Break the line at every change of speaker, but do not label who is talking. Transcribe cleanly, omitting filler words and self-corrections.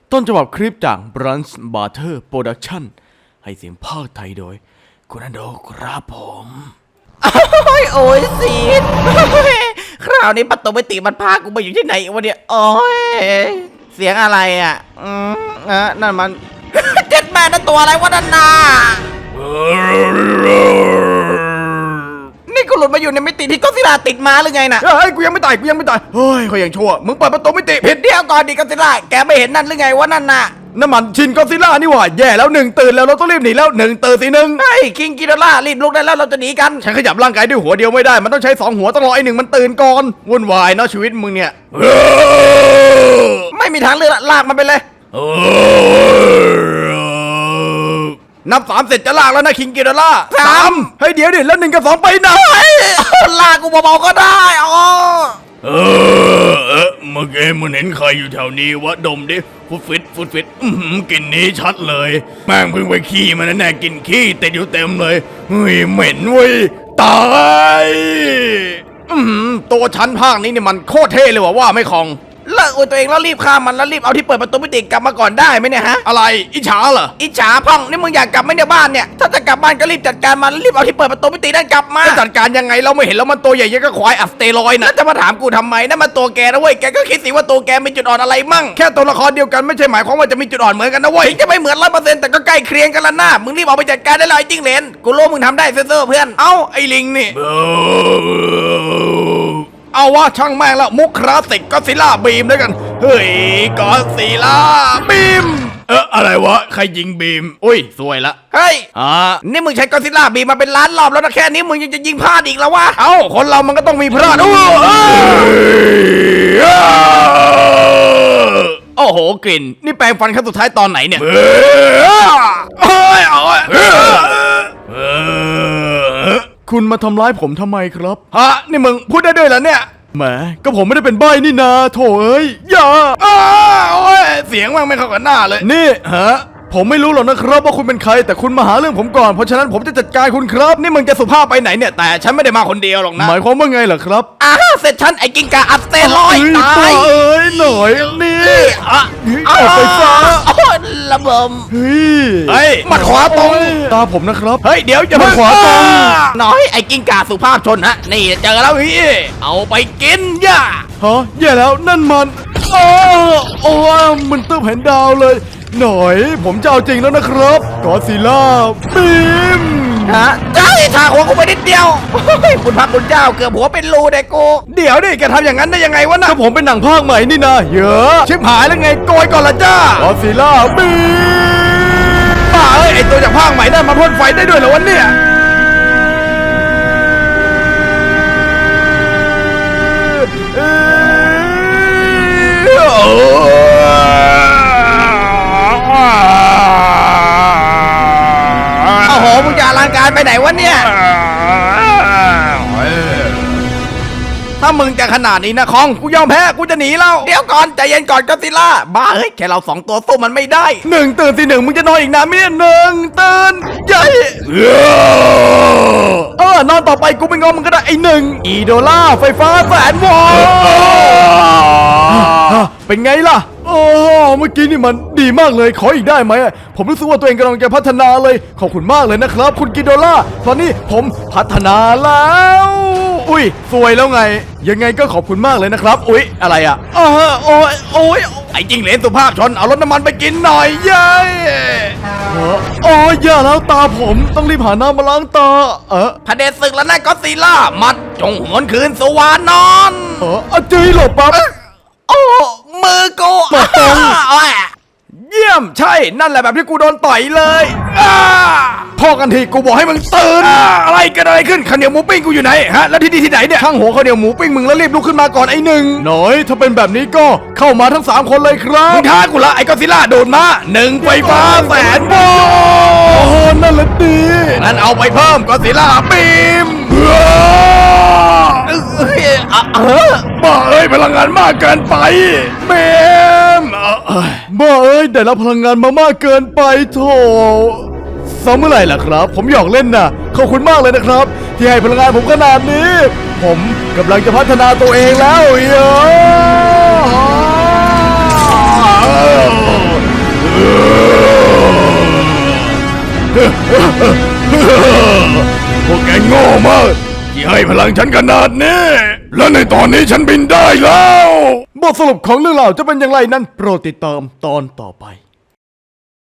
ต้นฉบับคลิปจาก Brunch Butter Production ให้เสียงภาคไทยโดยคุณอันโดครับผม
โอ้ยสีดคราวนี้ประตูมิติมันพากูไปอยู่ที่ไหนวะเนี่ยโอ้ยเสียงอะไรอ่ะนั่นมัน เจ็ดแม่นั่นตัวอะไรวะนั่นน่ะนี่กูหลุดมาอยู่ในมิติที่ก็ซิล่าติดมาหรือไงน่ะ
เฮ้ยกูยังไม่ตายเฮ้ยเขายังชั่วมึงเปิดประตูมิติผิด
เดี๋ยวก่อนดิก็ซิล่าแกไม่เห็นนั่นหรือไงวะนั่นน่ะ
น้ำมันชินก็ซิล่านี่หว่าแย่แล้วหนึ่งตื่นแล้วเราต้องรีบหนีแล้วหนึ่งตื่นสิหนึ่ง
เฮ้ยคิงกิโดล่ารีบลุกได้แล้วเราจะหนีกัน
ฉันขยับร่างกายด้วยหัวเดียวไม่ได้มันต้องใช้สองหัวต้องรอไอ้หนึ่งมันตื่นก่อนวุ่นวายเนาะชีวิตมึงเนี่ย
ไม่มีทางเลือกลากมันไปเลย
นับ3เสร็จจะลากแล้วนะคิงกิโดล่า
สาม
เฮ้ยเดี๋ยวดิแล้ว1 กับ 2ไปไหน
ลากกูเบาๆก็ได้อ๋อ
เมื่อกี้มึงเห็นใครอยู่แถวนี้วะดมดิฟุดฟิตกลิ่นนี้ชัดเลยแม่งเพิ่งไปขี้มาแน่ๆกินขี้ติดอยู่เต็มเลยเฮ้ยเหม็นเว้ยตายตัวชั้นภาคนี้นี่มันโคตรเท่เลยว่าไม่คอง
เลิกอวยตัวเองแล้วรีบข้ามมันแล้วรีบเอาที่เปิดประตูมิติกลับมาก่อนได้ไหมเนี่ยฮะ
อะไรอิจฉาเหรอ
อิจฉาพ่องนี่มึงอยากกลับไหมเนี่ยบ้านเนี่ยถ้าจะกลับบ้านก็รีบจัดการมันรีบเอาที่เปิดประตูมิตินั่นกลับมา
จะจัดการยังไงเราไม่เห็นแล้วมันตัวใหญ่ยังก็ควายอัสเตรอยด์
แล้
นะ
วจะมาถามกูทำไมนั่นมันตัวแกนะเว้ยแกก็คิดสิว่าตัวแกมีจุดอ่อนอะไรมั่ง
แค่ตัวละครเดียวกันไม่ใช่หมายความว่าจะมีจุดอ่อนเหมือนกันนะเว้ย
ถึงจะไม่เหมือน100%แต่ก็ใกล้เคียงกันละนะมึงรีบเอาไปจัดการได้เลยไอ้จิ้งเหลนกูรู้มึงทำได้เซ่อๆเพื่อน
เอ้าไอ้ลิงนี่เอาวะช่างแม่งแล้วมุกคลาสสิกก็ซิล่าบีมด้วยกันเฮ้ยก็ซิล่าบีมอะไรวะใครยิงบีมอุ้ยสวยละ
เฮ้ย
นี่
นี่มึงใช้กอซิลล่าบีมาเป็นล้านรอบแล้วนะแค่นี้มึงยังจะยิงพลาดอีกแล้ววะ
เอ้าคนเรามันก็ต้องมีพลาดโอ้โหกลิ่นนี่แปรงฟันครั้งสุดท้ายตอนไหนเนี่ยคุณมาทำร้ายผมทำไมครับฮะนี่มึงพูดได้ด้วยเหรอเนี่ยแหมก็ผมไม่ได้เป็นใบ้นี่นาโถเอ้ยอย่าโอ้ยเสียงมันไม่เข้ากับหน้าเลยนี่ฮะผมไม่รู้หรอกนะครับว่าคุณเป็นใครแต่คุณมาหาเรื่องผมก่อนเพราะฉะนั้นผมจะจัดการคุณครับนี่มึงจะสุภาพไปไหนเนี่ยแต่ฉันไม่ได้มาคนเดียวหรอกนะหมายความว่าไงเหรอครับ
เสร็จฉันไอ้กิงกาอัสเตรอยด์ตาย
เอ้ยหน่อยนี่ออกไปซะ
โอ้ยระเบิด
เฮ้ยมัดขวาตรงตาผมนะครับเฮ้ยเดี๋ยวอย่ามัดขวาตรง
น้อยไอ้กิงกาสุภาพชนฮะนี่เจอแล้วพี่เอาไปกินย่า
ฮะแย่แล้วนั่นมันโอ้มันตึ้มเห็นดาวเลยหน่อยผมจะเอาจริงแล้วนะครับกอซิล่าบีม
ฮะเจ้าทาหัวกูไปนิดเดียวเฮ้ยคุณพระคุณเจ้าเกือบหัวเป็นรูเด็กกู
เดี๋ยวดิแกทำอย่างนั้นได้ยังไงวะนะก็ผมเป็นหนังภาคใหม่นี่นะเยอะชิบหายแล้วไงโกยก่อนละจ้ากอซิล่าบีมบ้าเอ้ยไอตัวจากภาคใหม่นั่นมาพ่นไฟได้ด้วยเหรอวะเนี่ย
โอ้โหมึงจะอลังการไปไหนวะเนี่ย
ถ้ามึงจะขนาดนี้นะคองกูยอมแพ้กูจะหนีแล้ว
เดี๋ยวก่อนใจเย็นก่อนก็ซิล่าบ้าเฮ้ยแค่เราสองตัวสู้มันไม่ได้
หนึ่งตื่นสิหนึ่งมึงจะนอนอีกนานไหมเนี่ยหนึ่งตื่นใหญ่นอนต่อไปกูไม่งอมึงก็ได้ไอ้หนึ่งอีโดล่าไฟฟ้าแสนวอลเป็นไงล่ะโอ้เมื่อกี้นี่มันดีมากเลยขออีกได้ไหมผมรู้สึกว่าตัวเองกำลังจะพัฒนาเลยขอบคุณมากเลยนะครับคุณกิโดล่าตอนนี้ผมพัฒนาแล้วอุ้ยสวยแล้วไงยังไงก็ขอบคุณมากเลยนะครับอุ้ยอะไรอ่ะโอ้ยไอ้จิงเหลนสุภาพชนเอารถน้ำมันไปกินหน่อยเย้โอ้ยอย่าแล้วตาผมต้องรีบหาน้ำมาล้างตา
พระเดชศึกแล้วนะก็ซิล่ามัดจงหวนคืนสวรรค์นอน
จุยหลบปั๊บ
โอ้มือกู
มาตรง
โอ้ย
เยี่ยมใช่นั่นแหละแบบที่กูโดนต่อยเลยพ่อกันทีกูบอกให้มึงตื่นอะไรกันอะไรขึ้นข้าวเหนียวหมูปิ้งกูอยู่ไหนฮะแล้วที่นี่ที่ไหนเนี่ยข้างหัวข้าวเหนียวหมูปิ้งมึงแล้วรีบลุกขึ้นมาก่อนไอ้หนึ่งหน่อยถ้าเป็นแบบนี้ก็เข้ามาทั้ง3คนเลยครับมึงท้ากูละไอ้ก็ซิล่าโดนมา1ไฟฟ้าแสนโวลต์นั่นแหละดีงั้นเอาไปเพิ่มก็ซิล่าบีมบ้าเอ้ยพลังงานมากเกินไปเบมบ้าเอ้ยได้รับพลังงานมามากเกินไปโถซ้อมเมื่อไหร่ล่ะครับผมหยอกเล่นน่ะขอบคุณมากเลยนะครับที่ให้พลังงานผมขนาดนี้ผมกำลังจะพัฒนาตัวเองแล้วพวกแกโง่มากที่ให้พลังฉันขนาดนี้ และในตอนนี้ฉันบินได้แล้ว บทสรุปของเรื่องราวจะเป็นอย่างไรนั้นโปรดติดตามตอนต่อไป